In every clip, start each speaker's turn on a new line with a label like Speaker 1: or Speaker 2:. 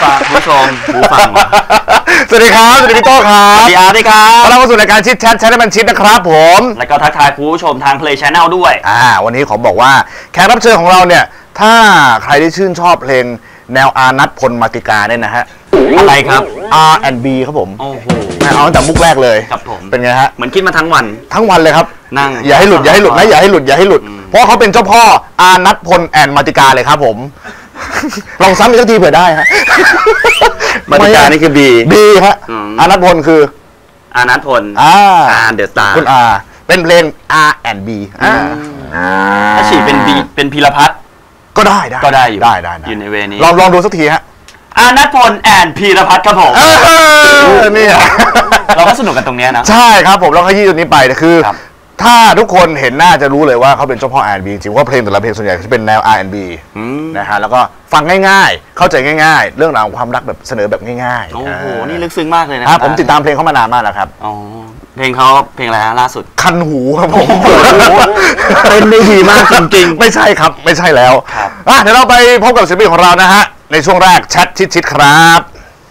Speaker 1: ฟังผู้ชมผู้ฟัง
Speaker 2: สวัสดีครับสวัสดีพี่โต้ครับ
Speaker 1: สวัสดีอาร์ด้วยครับ
Speaker 2: เราเข้าสู่รายการชิดแชทให้มันชิดนะครับผม
Speaker 1: แล้วก็ทักทายผู้ชมทาง Play Channel ด้วย
Speaker 2: วันนี้ขอบอกว่าแขกรับเชิญของเราเนี่ยถ้าใครที่ชื่นชอบเพลงแนวอานัทพลมาติกาเนี่ยนะฮะ
Speaker 1: อะไรครับ
Speaker 2: R&B ครับผม
Speaker 1: โอ้โห
Speaker 2: เอาตั้งแต่มุกแรกเลย
Speaker 1: ครับผม
Speaker 2: เป็นไงฮะ
Speaker 1: เหมือนคิดมาทั้งวัน
Speaker 2: เลยครับ
Speaker 1: นั่ง
Speaker 2: อย่าให้หลุดนะอย่าให้หลุดอย่าให้หลุดเพราะเขาเป็นเจ้าพ่ออานัทพลแอนมาติกาเลยครับผมลองซ้ำอีกสักทีเผื่อได้ฮะ
Speaker 1: มาติกานี่คือ B
Speaker 2: ฮะอานัทพลคือ
Speaker 1: อานัทพลเดอะสตาร์
Speaker 2: คุณเป็นเพลง R&B
Speaker 1: ถ้าฉีดเป็น B เป็นพีรพัฒน์
Speaker 2: ก็ได้
Speaker 1: อยู่อยู่ในเวนี้
Speaker 2: ลองดูสักทีฮะ
Speaker 1: อานัทพลแอนพีรพัฒน์ครับผม
Speaker 2: นี่
Speaker 1: เราก็สนุกกันตรงนี้นะ
Speaker 2: ใช่ครับผมเราขยี้ตรงนี้ไปคือถ้าทุกคนเห็นหน้าจะรู้เลยว่าเขาเป็นเจ้าพ่อ R&B จริงว่าเพลงแต่ละเพลงส่วนใหญ่จะเป็นแนว R&B นะฮะแล้วก็ฟังง่ายๆเข้าใจง่ายๆเรื่องราวของความรักแบบเสนอแบบง่าย
Speaker 1: ๆโอ้โหนี่ลึกซึ้งมากเลยนะครับ
Speaker 2: ผมติดตามเพลงเขามานานมากแล้วครับ
Speaker 1: อ๋อเพลงเขาเพลงอะไรฮะล่าสุด
Speaker 2: คันหูครับผม
Speaker 1: เป็นได้ดีมากจริง
Speaker 2: ๆไม่ใช่ครับไม่ใช่แล้วเดี๋ยวเราไปพบกับศิลปินของเรานะฮะในช่วงแรกแชทชิดๆครับ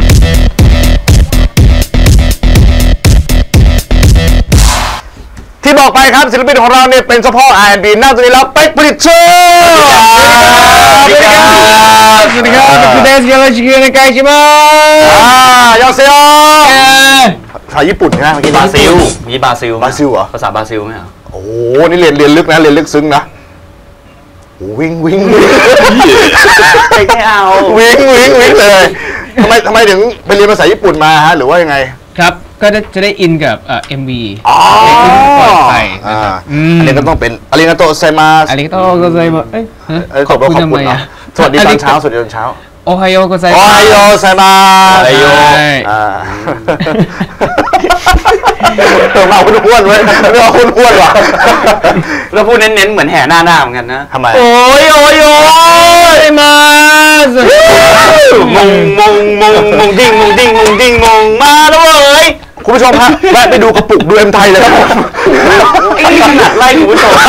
Speaker 2: ที่บอกไปครับศิลปินของเราเนี่ยเป็นเฉพาะ R&B นั่งตรงนี้แล้วเป็กผลิตโชว์สวัสดีครับคุณเดชยังไงชิคกี้พายชิมายอเซโอภาษาญี่ปุ่นนะเมื่อกี้
Speaker 1: บราซิล
Speaker 2: เหรอ
Speaker 1: ภาษาบราซิลไหมอ่ะ
Speaker 2: โอ้นี่เรียนลึกนะเรียนลึกซึ้งนะวิ่ง
Speaker 1: ไม่เอา
Speaker 2: วิ่งเลยทำไมถึงไปเรียนภาษาญี่ปุ่นมาฮะหรือว่ายังไง
Speaker 3: ครับก็จะได้อินกับMV
Speaker 2: ที่ปล่อยไปอันนี้ก็ต้องเป็นอาริกาโตไซมาส
Speaker 3: อาริกาโตโกไซมา
Speaker 2: ขอบคุณทำไมสวัสดีตอนเช้า
Speaker 3: โอไฮโอโกไซมา
Speaker 2: โอไฮโอไซมาเอาคุณอ้วนไว้ไม่เอาคุณอ้วนหรอ
Speaker 1: แล้วพูดเน้นๆเหมือนแห่หน้าเหมือนกันนะ
Speaker 2: ทำไม
Speaker 1: โอ้ย
Speaker 3: มา
Speaker 1: มงดิ้งมาแล้วเว้ย
Speaker 2: คุณผู้ชมฮะแวะไปดูกระปุกดูเอ็มไทยเลยครับ
Speaker 1: ขนาดไล่คุณผู้ชม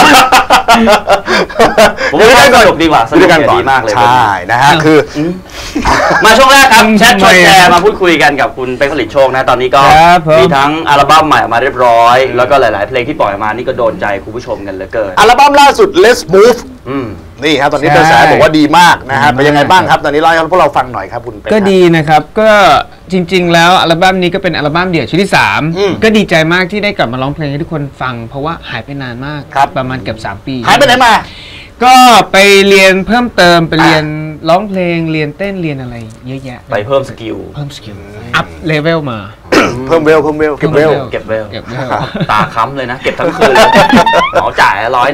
Speaker 1: ผมว่าสนุกดีกว่าสนุกดีมากเลย
Speaker 2: ใช่นะฮะคือ
Speaker 1: มาช่วงแรกครับแชทชวนแชร์มาพูดคุยกันกับคุณเป็กผลิตโชคนะตอนนี้ก็มีทั้งอัลบั้มใหม่ออกมาเรียบร้อยแล้วก็หลายๆเพลงที่ปล่อยมานี่ก็โดนใจคุณผู้ชมกันเหลือเกิน
Speaker 2: อัลบั้มล่าสุด Let's Move นี่ครับตอนนี้กระแสบอกว่าดีมากนะฮะเป็นยังไงบ้างครับตอนนี้เล่าให้พวกเราฟังหน่อยครับคุณเป็ก
Speaker 3: ก็ดีนะครับก็จริงๆแล้วอัลบั้มนี้ก็เป็นอัลบั้มเดี่ยวชุดที่3ก็ดีใจมากที่ได้กลับมาร้องเพลงให้ทุกคนฟังเพราะว่าหายไปนานมากประมาณเกือบ3 ปี
Speaker 2: หายไปไหนมา
Speaker 3: ก็ไปเรียนเพิ่มเติมไปเรียนร้องเพลงเรียนเต้นเรียนอะไรเยอะแยะ
Speaker 1: ไปเพิ่มสกิล
Speaker 3: อัพเลเวลมา
Speaker 2: เพิ่มเวลเก็บเวล
Speaker 1: ตาค้ำเลยนะเก็บทั้งคืนเลยหมอจ่าย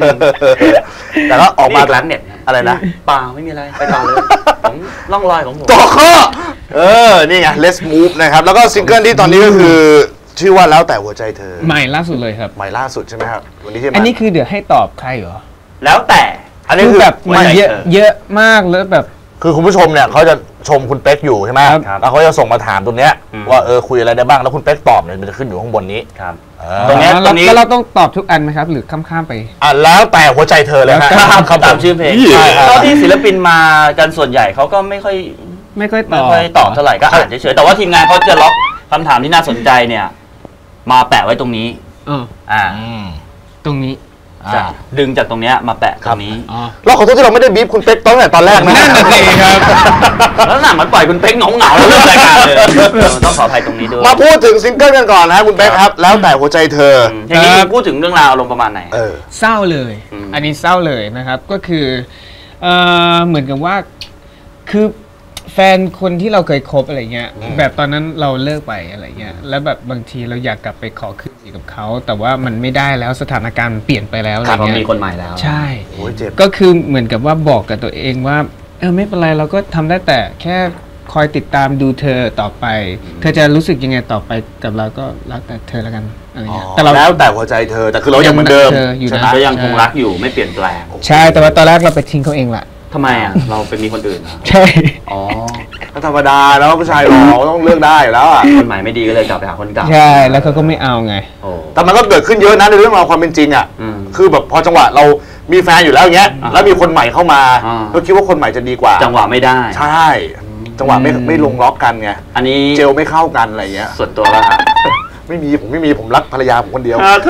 Speaker 1: 100
Speaker 2: แต่ก็ออกมา
Speaker 1: ร้านเน็ต
Speaker 2: อะไรนะ
Speaker 1: เปล่าไม่มีอะไรไปต่อเลยผมล่องรอยของผม
Speaker 2: ต่อข้อนี่ไง Let's Move นะครับแล้วก็ซิงเกิลที่ตอนนี้ก็คือชื่อว่าแล้วแต่หัวใจเธอ
Speaker 3: ใหม่ล่าสุดเลยครับ
Speaker 2: ใหม่ล่าสุดใช่ไหมครับวันนี้ที่
Speaker 3: อันนี้คือเดี๋ยวให้ตอบใครเหรอ
Speaker 1: แล้วแต่
Speaker 2: อันนี้คือ
Speaker 3: แบบมันเยอะมากแล้วแบบ
Speaker 2: คือคุณผู้ชมเนี่ยเขาจะชมคุณเป๊กอยู่ใช่ไหมแล้วเขาจะส่งมาถามตรงเนี้ยว่าคุยอะไรได้บ้างแล้วคุณเป๊กตอบเนี่ยมันจะขึ้นอยู่ข้างบนนี้
Speaker 1: ครับ
Speaker 3: ตรงนี้เราต้องตอบทุกอันไหมครับหรือข้ามไป
Speaker 2: แล้วแต่หัวใจเธอเลย
Speaker 1: คำตามชื่อเพลงเท่าที่ศิลปินมากันส่วนใหญ่เขาก็ไม่ค่อยตอบเท่าไหร่ก็อ่านเฉยๆแต่ว่าทีมงานเขาจะล็อกคำถามที่น่าสนใจเนี่ยมาแปะไว้ตรงนี้
Speaker 3: ตรงนี้
Speaker 1: ดึงจากตรงนี้มาแปะตรงนี้
Speaker 2: เราขอโทษที่เราไม่ได้บีบคุณเป๊กตั้งแต่ตอนแรกนะ
Speaker 3: นั่นน่ะสิครับ
Speaker 1: แล้วหนังมันปล่อยคุณเป๊กเหงาแล้วเริ่มรายการเลยต้องขออภัยตรงนี้ด้วย
Speaker 2: มาพูดถึงซิงเกิลกันก่อนนะคุณเป๊กครับแล้วแต่หัวใจเธอ
Speaker 1: อย่างนี้พูดถึงเรื่องราวอารมณ์ประมาณไหน
Speaker 3: เศร้าเลยอันนี้เศร้าเลยนะครับก็คือเหมือนกับว่าคือแฟนคนที่เราเคยคบอะไรเงี้ยแบบตอนนั้นเราเลิกไปอะไรเงี้ยแล้วแบบบางทีเราอยากกลับไปขอคืนดีกับเขาแต่ว่ามันไม่ได้แล้วสถานการณ์เปลี่ยนไปแล้วอะไรเงี้ย
Speaker 1: มีคนใหม่แล้ว
Speaker 3: ใช่ก็คือเหมือนกับว่าบอกกับตัวเองว่าไม่เป็นไรเราก็ทำได้แต่แค่คอยติดตามดูเธอต่อไปเธอจะรู้สึกยังไงต่อไปกับเราก็รักแต่เธอแล้วกันอะไรเงี้ย
Speaker 2: แต่เราแล้วแต่หัวใจเธอแต่คือเรายังเหมือนเดิม
Speaker 1: ก็ยังคงรักอยู่ไม่เปลี่ยนแปลง
Speaker 3: ใช่แต่ว่าตอนแรกเราไปทิ้งเขาเองแหละ
Speaker 1: ทำไมเราไปมีคนอื่น
Speaker 3: ใช่
Speaker 2: ก็ธรรมดาแล้วผู้ชายเราต้องเลือกได้แล้ว
Speaker 1: คนใหม่ไม่ดีก็เลยกลับไปหาคนเก่า
Speaker 3: ใช่แล้วเขาก็ไม่เอาไง
Speaker 2: แต่มันก็เกิดขึ้นเยอะนะในเรื่องราวความเป็นจริงคือแบบพอจังหวะเรามีแฟนอยู่แล้วอย่างเงี้ยแล้วมีคนใหม่เข้ามาเราคิดว่าคนใหม่จะดีกว่า
Speaker 1: จังหวะไม่ได้
Speaker 2: ใช่จังหวะไม่ลงล็อกกันไง
Speaker 1: อันนี้
Speaker 2: เจลไม่เข้ากันอะไรเงี้ย
Speaker 1: ส่วนตัวแล้วครับ
Speaker 2: ไม่มีผมรักภรรยาผมคนเดียว
Speaker 1: โถ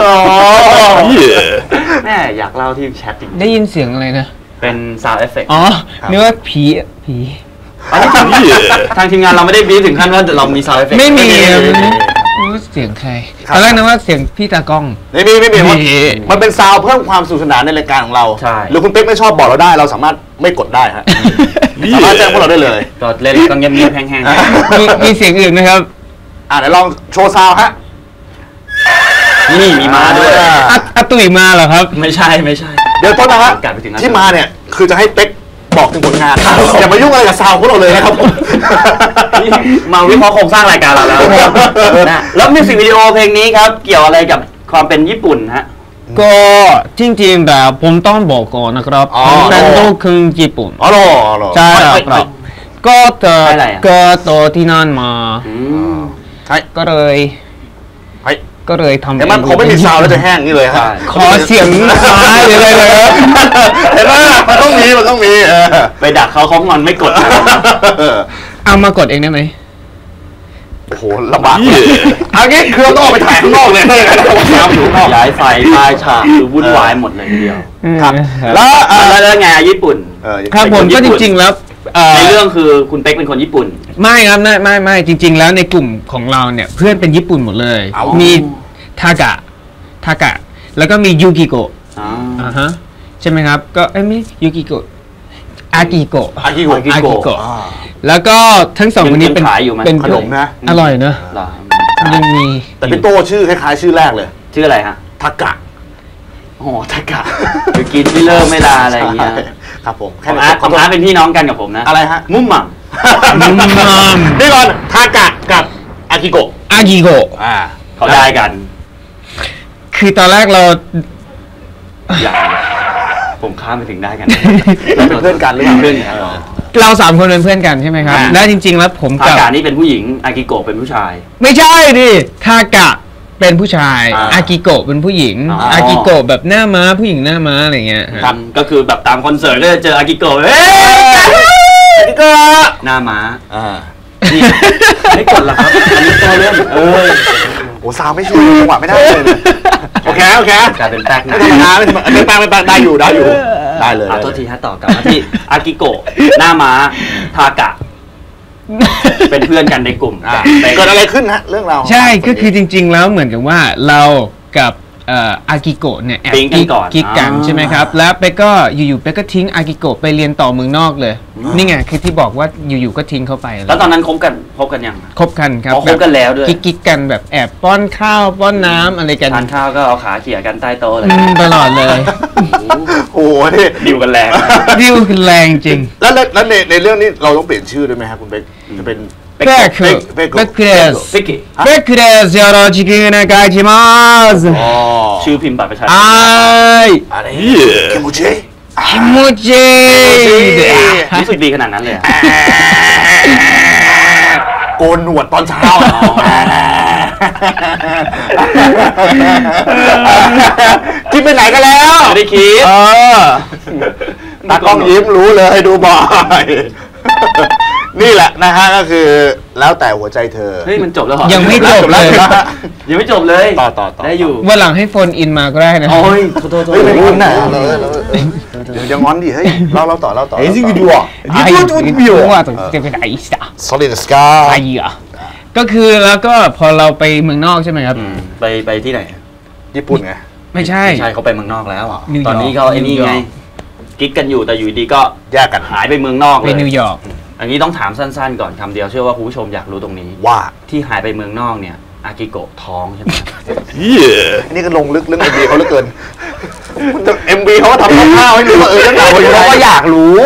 Speaker 1: แม่อยากเล่าที่แชทจริง
Speaker 3: ได้ยินเสียงอะไรนะ
Speaker 1: เป็น sound effect
Speaker 3: อ๋อนึกว่าผี
Speaker 1: ทางทีมงานเราไม่ได้บีบถึงขั้นว่าเรามี sound effect
Speaker 3: ไม่มีเสียงใครตอนแรกนึกว่าเสียงพี่ตากล้อง
Speaker 2: ไม่มีมันเป็นซาวเพิ่มความสนุกสนานในรายการของเรา
Speaker 1: ใช่
Speaker 2: หรือคุณเป๊กไม่ชอบบอกเราได้เราสามารถไม่กดได้ฮะสามารถแจ้งพวกเราได้เลย
Speaker 1: ก็เล่นก็เงียบๆแห้ง
Speaker 3: ๆมีเสียงอื่นไหมครับ
Speaker 2: เดี๋ยวลองโชว์ซาวฮะ
Speaker 1: นี่มีมาด้วย
Speaker 3: อาตุ๋ยมาเหรอครับ
Speaker 1: ไม่ใช่
Speaker 2: เดี๋ยวต้นนะฮะที่มาเนี่ยคือจะให้เป๊กบอกถึงผลงานอย่ามายุ่งอะไรกับซาวพวกเราเลยนะครับผม
Speaker 1: มาวิเคราะห์โครงสร้างรายการเราแล้วนะแล้วมิวสิกวิดีโอเพลงนี้ครับเกี่ยวอะไรกับความเป็นญี่ปุ่นฮะ
Speaker 3: ก็จริงๆแบบผมต้องบอกก่อนนะครับผมเป็นลูกครึ่งญี่ปุ่นใช่ครับก็โตที่นั่นมาก็เลยทำ
Speaker 2: แต่มันคงไม่มีซาวแล้วจะแห้งนี่เลยครับ
Speaker 3: ขอเสียงซ้ายเลย
Speaker 2: เห็นไหมมันต้องมี
Speaker 1: ไปดักเขางอนไม่กด
Speaker 3: เอามากดเองได้ไหม
Speaker 2: โอ้โหลำบากอันนี้คือต้องออกไปถ่ายข้างนอกเลย
Speaker 1: ย้ายไฟป้ายฉากคือวุ่นวายหมดเลยทีเดียว
Speaker 2: ครับ
Speaker 1: แล้วไงญี่ปุ่น
Speaker 3: ครับผมก็จริงๆแล้ว
Speaker 1: ในเรื่องคือคุณเป๊กเป็นคนญี่ปุ่น
Speaker 3: ไม่ครับไม่จริงๆแล้วในกลุ่มของเราเนี่ยเพื่อนเป็นญี่ปุ่นหมดเลยมีทากะแล้วก็มียูกิโกะใช่ไหมครับก็ไม่ยูกิโกะอากิโกะแล้วก็ทั้งสองคนนี้เป็น
Speaker 1: ขนมนะ
Speaker 3: อร่อยเนอะยังมี
Speaker 2: แต่พี่โตชื่อคล้ายๆชื่อแรกเลย
Speaker 1: ชื่ออะไรฮะ
Speaker 2: ทากะ
Speaker 1: โอ้ทากะคือกินไม่เลิกไม่ลาอะไรอย่างเงี้ย
Speaker 2: ครับผม
Speaker 1: ของอาร์ตเป็นพี่น้องกันกับผมนะ
Speaker 2: อะไรฮะ
Speaker 1: มุมมัม
Speaker 2: นี่ก่อนทากะกับอากิโกะ
Speaker 1: เขาได้กัน
Speaker 3: คือตอนแรกเรา
Speaker 1: ผมข้ามไปถึงได้กัน
Speaker 2: เป็นเพื่อนกันหรือเปล่า
Speaker 3: เพื่อนเราสามคนเป็นเพื่อนกันใช่ไหมครับและจริงๆแล้วผม
Speaker 1: กับทากะนี่เป็นผู้หญิงอากิโกะเป็นผู้ชาย
Speaker 3: ไม่ใช่ดิทากะเป็นผู้ชายอากิโกะเป็นผู้หญิงอากิโกะแบบหน้าม้าผู้หญิงหน้าม้าอะไรเงี้ย
Speaker 1: ครับก็คือแบบตามคอนเสิร์ตก็จะเจออากิโกะอากิโกะหน้าม้าไม่กดหรอกครับอันนี้ตัวเล่น
Speaker 2: โอ้ซาวไม่ช่วยจังหวะไม่ได้เลยโอเค
Speaker 1: กลายเป็นแป๊ก
Speaker 2: ไม่ธรรมดาไม่แป๊กได้อยู่ได้เลย
Speaker 1: โทษทีฮะต่อกลับมาที่อากิโกะหน้าม้าทากะเป็นเพื่อนกันในกลุ่ม
Speaker 2: เกิดอะไรขึ้นฮะเรื่องเรา
Speaker 3: ใช่ก็คือจริงๆแล้วเหมือนกับว่าเรากับอากิโกะเนี่ยแอบกิ๊กกันใช่ไหมครับแล้วเป๊กก็อยู่ๆเป๊กก็ทิ้งอากิโกะไปเรียนต่อเมืองนอกเลยนี่ไงคือที่บอกว่าอยู่ๆก็ทิ้งเขาไป
Speaker 1: แล้วตอนนั้นคบกันยัง
Speaker 3: คบกันครับ
Speaker 1: คบกันแล้วด้วย
Speaker 3: กิ๊กกันแบบแอบป้อนข้าวป้อนน้ำอะไรกัน
Speaker 1: ทานข้าวก็เอาขาเขี่ยกันใต้โต๊ะเลย
Speaker 3: ตลอดเลย
Speaker 2: โอ้โหนี่
Speaker 1: ดิวกันแรง
Speaker 3: จริง
Speaker 2: แล้วในเรื่องนี้เราต้องเปลี่ยนชื่อด้วยไหมครับคุณเป๊กจะเป็น
Speaker 3: เป๊กですよろしくお願いします
Speaker 1: ชื่อพิมพ์บัตรประชาชน
Speaker 2: อะไรคิมู
Speaker 3: จิ
Speaker 1: รู้สึกดีขนาดนั้นเลย
Speaker 2: โกนหนวดตอนเช้าคิดไปไหนกันแล้ว
Speaker 1: ไม่ได้คิด
Speaker 2: ตากล้องยิ้มรู้เลยดูบ่อยนี่แหละนะฮะก็คือแล้วแต่หัวใจเธอ
Speaker 1: เฮ้ยมันจบแล้วเหรอ
Speaker 3: ยังไม่จบเลย
Speaker 1: ยังไม่จบเลย
Speaker 2: ต่อ
Speaker 1: ได้อยู่
Speaker 3: วันหลังให้โฟนอินมาก็ได้นะ
Speaker 1: โอ้ยโทษ
Speaker 2: ไม่งอนนะเดี๋ยวงอนดิเฮ้ยเล่าต่อเฮ้ยวิดีโอ
Speaker 3: ว่าจะเป็นไอ้สัส
Speaker 2: Solid Sky
Speaker 3: ไอ้อะก็คือแล้วก็พอเราไปเมืองนอกใช่ไหมครับ
Speaker 1: ไปที่ไหน
Speaker 2: ญี่ปุ่นไง
Speaker 3: ไม่ใช่
Speaker 1: เขาไปเมืองนอกแล้วตอนนี้เขาไอ้นี่ไงกิ๊กกันอยู่แต่อยู่ดีก็
Speaker 2: แยกกัน
Speaker 1: หายไปเมืองนอกเลย
Speaker 3: ไปนิวยอร์ก
Speaker 1: อันนี้ต้องถามสั้นๆก่อนคำเดียวเชื่อว่าคุณผู้ชมอยากรู้ตรงนี้
Speaker 2: ว่า
Speaker 1: ที่หายไปเมืองนอกเนี่ยอากิโกะท้องใช่ไหม
Speaker 2: อันนี้ก็ลงลึกเรื่อง MV เขาเหลือเกิน MV เขาก็ทำข้าวให้ดูว่าเรื่องราว
Speaker 1: เขาก็อยากรู้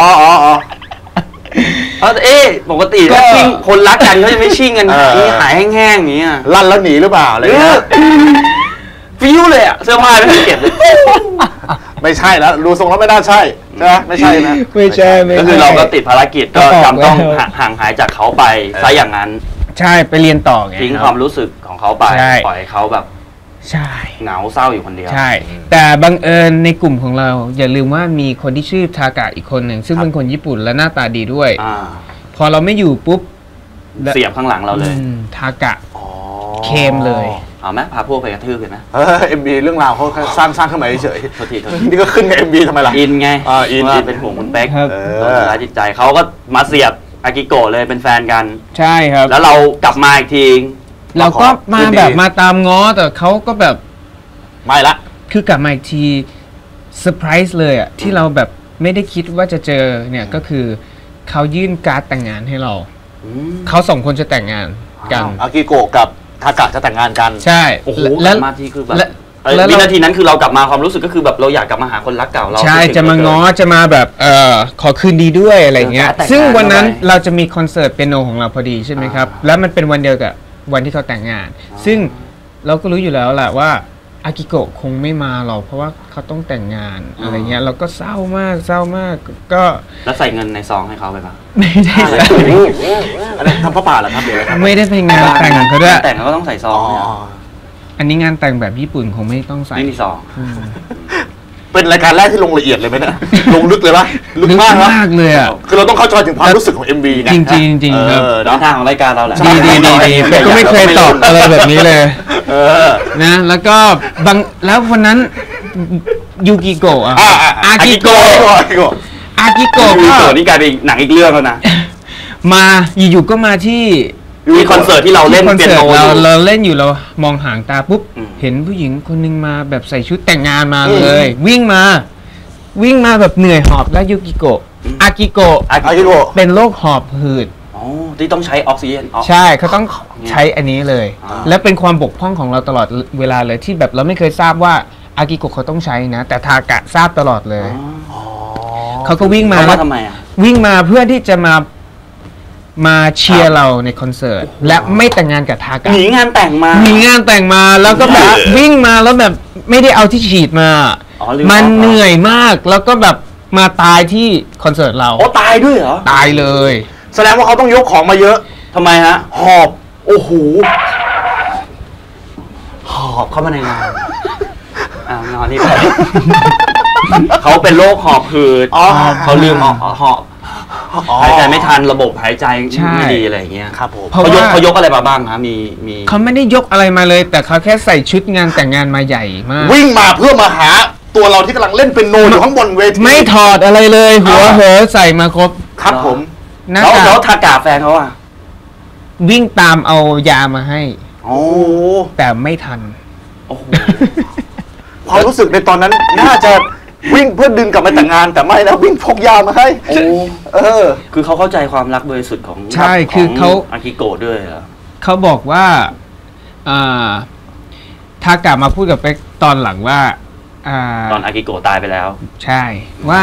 Speaker 1: ปกติก็ชิงคนรักกันเขาจะไม่ชิงกันนี่หายแห้งๆอย่างเงี้ย
Speaker 2: ลั่นแล้วหนีหรือเปล่าอะไรเงี้ย
Speaker 1: ฟิวเลยอะเสื้อผ้าไม่ได้เก็บเลย
Speaker 2: ไม่ใช่แล้วดูทรงแล้วไม่น่าใช่ใช่ไหมไม่ใช่นะ
Speaker 3: ไม่ใช่
Speaker 1: ก็คือเราก็ติดภารกิจก็จำต้องห่างหายจากเขาไปซะอย่างนั้น
Speaker 3: ใช่ไปเรียนต่อไง
Speaker 1: ทิ้งความรู้สึกของเขาไปปล่อยเขาแบบ
Speaker 3: ใช่
Speaker 1: เหงาเศร้าอยู่คนเดียว
Speaker 3: ใช่แต่บังเอิญในกลุ่มของเราอย่าลืมว่ามีคนที่ชื่อทากะอีกคนหนึ่งซึ่งเป็นคนญี่ปุ่นและหน้าตาดีด้วยพอเราไม่อยู่ปุ๊บ
Speaker 1: เสียบข้างหลังเราเลย
Speaker 3: ทากะเคมเลย
Speaker 1: เอาไหมพาพวกไปกระทืบกันไหม
Speaker 2: MV เรื่องราวเขาสร้างขึ้นมาเฉยๆ
Speaker 1: โทษที
Speaker 2: นี่ก็ขึ้นกับ MV ทำไมล่ะ
Speaker 1: อินไง
Speaker 2: อิน
Speaker 1: เป็นห่วงคุณเป๊กร้ายจิตใจเขาก็มาเสียบอากิโกะเลยเป็นแฟนกัน
Speaker 3: ใช่ครับ
Speaker 1: แล้วเรากลับมาอีกที
Speaker 3: เราก็มาแบบมาตามง้อแต่เขาก็แบบ
Speaker 2: ไม่ละ
Speaker 3: คือกลับมาอีกทีเซอร์ไพรส์เลยอ่ะที่เราแบบไม่ได้คิดว่าจะเจอเนี่ยก็คือเขายื่นการ์ดแต่งงานให้เราเขา2 คนจะแต่งงานกัน
Speaker 2: อากิโกะกับทากะจะแต่งงานกัน
Speaker 3: ใช่
Speaker 1: โอ้โหแล้วมาที่คือแบบวินาทีนั้นคือเรากลับมาความรู้สึกก็คือแบบเราอยากกลับมาหาคนรักเก่าเรา
Speaker 3: ใช่จะมาง้อจะมาแบบขอคืนดีด้วยอะไรเงี้ยซึ่งวันนั้นเราจะมีคอนเสิร์ตเปียโนของเราพอดีใช่ไหมครับแล้วมันเป็นวันเดียวกับวันที่เขาแต่งงานซึ่งเราก็รู้อยู่แล้วแหละว่าอากิโกะคงไม่มาหรอกเพราะว่าเขาต้องแต่งงานอะไรเงี้ยเราก็เศร้ามากก็
Speaker 1: แล้วใส่เงินในซองให้เขาไปปะ
Speaker 3: ไม่ได้
Speaker 2: อะไรทำพระป่าเหรอครับเดี๋ยว
Speaker 3: ไม่ได้ไปงานแต่งเขาด้วย
Speaker 1: แต่งเขาก็ต้องใส่ซอง
Speaker 3: อันนี้งานแต่งแบบญี่ปุ่นคงไม่ต้องใส่
Speaker 1: ไม่มีซอง
Speaker 2: เป็นรายการแรกที่ลงละเอียดเลยไหมเนี่ยลงลึกเลยปะลึกมาก
Speaker 3: เลยอ่ะ
Speaker 2: คือเราต้องเข้าใจถึงความรู้สึกของ MV นะ
Speaker 3: จริงครับ
Speaker 1: ทางของรายการเราแหละ
Speaker 3: ดีก็ไม่เคยตอบอะไรแบบนี้เลยนะแล้วก็แล้ววันนั้นยูกิโกะอากิโกะ
Speaker 1: นี่กลายเป็นหนังอีกเรื่องแล้วนะ
Speaker 3: มาอยู่ๆก็มาที่
Speaker 1: มีคอนเสิร์ตที่เราเล่นเปียโน
Speaker 3: เราเล่นอยู่เรามองหางตาปุ๊บเห็นผู้หญิงคนนึงมาแบบใส่ชุดแต่งงานมาเลยวิ่งมาแบบเหนื่อยหอบแล้วยูกิโกะอากิโกะเป็นโรคหอบหืด
Speaker 1: ที่ต้องใช้ออกซิเจน
Speaker 3: ใช่เขาต้องใช้อันนี้เลยและเป็นความบกพร่องของเราตลอดเวลาเลยที่แบบเราไม่เคยทราบว่าอากิโกะเขาต้องใช้นะแต่ทากะทราบตลอดเลยเขาก็วิ่งมา
Speaker 1: แล้วทำไม
Speaker 3: วิ่งมาเพื่อที่จะมาเชียร์เราในคอนเสิร์ตและไม่แต่งงานกับทากะ
Speaker 1: หนีงานแต่งมา
Speaker 3: แล้วก็แบบวิ่งมาแล้วแบบไม่ได้เอาที่ฉีดมามันเหนื่อยมากแล้วก็แบบมาตายที่คอนเสิร์ตเรา
Speaker 1: ตายด้วยเหรอ
Speaker 3: ตายเลย
Speaker 2: แสดงว่าเขาต้องยกของมาเยอะ
Speaker 1: ทำไมฮะ
Speaker 2: หอบโอ้โห
Speaker 1: หอบเข้ามาในงานนอนนี่ไปเขาเป็นโรคหอบหืดเขาลืมหอบหายใจไม่ทันระบบหายใจไม่ดีอะไรอย่างเงี้ย
Speaker 2: ครับผม
Speaker 1: เขายกอะไรมาบ้างครับมี
Speaker 3: เขาไม่ได้ยกอะไรมาเลยแต่เขาแค่ใส่ชุดงานแต่งงานมาใหญ่มาก
Speaker 2: วิ่งมาเพื่อมาหาตัวเราที่กำลังเล่นเป็นโนอยู่ข้างบนเวที
Speaker 3: ไม่ถอดอะไรเลยหัวเหอใส่มาครบ
Speaker 2: ครับผม
Speaker 1: แล้วทากาแฟนเขาอะ
Speaker 3: วิ่งตามเอายามาให้แต่ไม่ทัน
Speaker 2: ความรู้สึกในตอนนั้นน่าจะวิ่งเพื่อดึงกลับมาแต่งงานแต่ไม่นะวิ่งพกยามาให้
Speaker 1: คือเขาเข้าใจความรักบริสุทธิ์ของ
Speaker 3: ใช่คือเขา
Speaker 1: อากิโกะด้วยเหรอ
Speaker 3: เขาบอกว่าทากะมาพูดกับเป๊กตอนหลังว่า
Speaker 1: ตอนอากิโกะตายไปแล้ว
Speaker 3: ใช่ว่า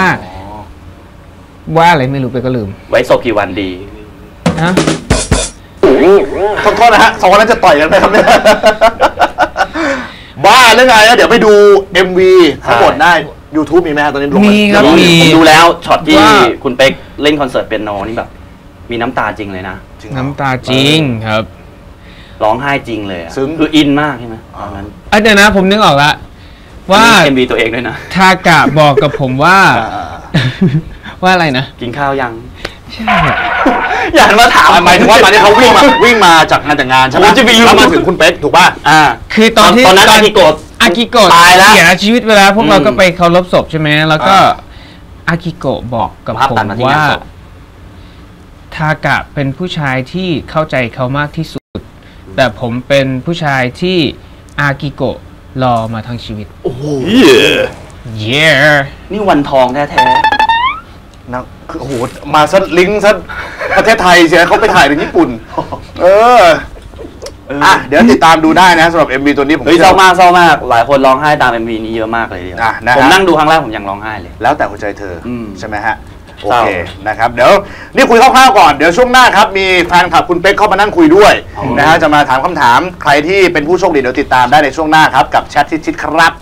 Speaker 3: อะไรไม่รู้เป๊กก็ลืม
Speaker 1: ไว้ศพกี่วันดี
Speaker 3: ฮะ
Speaker 2: โทษนะฮะ2 วันนั้นจะต่อยกันไหมครับเนี่ยบ้าเรื่องไงเดี๋ยวไปดู MV ทั้งหมดได้ YouTube มีไหมฮะตอนนี้
Speaker 3: มีครับมี
Speaker 1: ผมดูแล้วช็อตที่คุณเป๊กเล่นคอนเสิร์ตเปียโนนี่แบบมีน้ำตาจริงเลยนะ
Speaker 3: น้ำตาจริงครับ
Speaker 1: ร้องไห้จริงเลยคืออินมากใช่ไหมตอนนั้น
Speaker 3: เดี๋ยวนะผมนึกออกละว่า
Speaker 1: MV ตัวเองด้วยนะ
Speaker 3: ทากะบอกกับผมว่าอะไรนะ
Speaker 1: กินข้าวยัง
Speaker 3: ใช่
Speaker 1: อยากมาถาม
Speaker 2: หมายถึงว่าตอนนี้เขาวิ่งมาจากงานแต่งงานใช่ไหมแล้วมาถึงคุณเป๊กถูกป่ะ
Speaker 3: คือตอน
Speaker 1: นั้นอากิโกะ
Speaker 3: ตายแล้วเสียชีวิตไปแล้วพวกเราก็ไปเคารพศพใช่ไหมแล้วก็อากิโกะบอกกับผมว่าทากะเป็นผู้ชายที่เข้าใจเขามากที่สุดแต่ผมเป็นผู้ชายที่อากิโกะรอมาทั้งชีวิต
Speaker 1: โอ้โห
Speaker 3: นี่
Speaker 1: วันทองแท้
Speaker 2: ๆนะคือโอ้โหมาซะลิงก์ซะประเทศไทยเชียเขาไปถ่ายในญี่ปุ่นเดี๋ยวติดตามดูได้นะสำหรับ MV ตัวนี้ผม
Speaker 1: เศร้ามากหลายคนร้องไห้ตาม MV นี้เยอะมากเลยผมนั่งดูครั้งแรกผมยังร้องไห้เลย
Speaker 2: แล้วแต่หัวใจเธอใช่ไหมฮะโอเคนะครับเดี๋ยวนี่คุยคร่าวๆก่อนเดี๋ยวช่วงหน้าครับมีแฟนคลับคุณเป๊กเข้ามานั่งคุยด้วยนะฮะจะมาถามคำถามใครที่เป็นผู้โชคดีเดี๋ยวติดตามได้ในช่วงหน้าครับกับแชทชิดๆครับ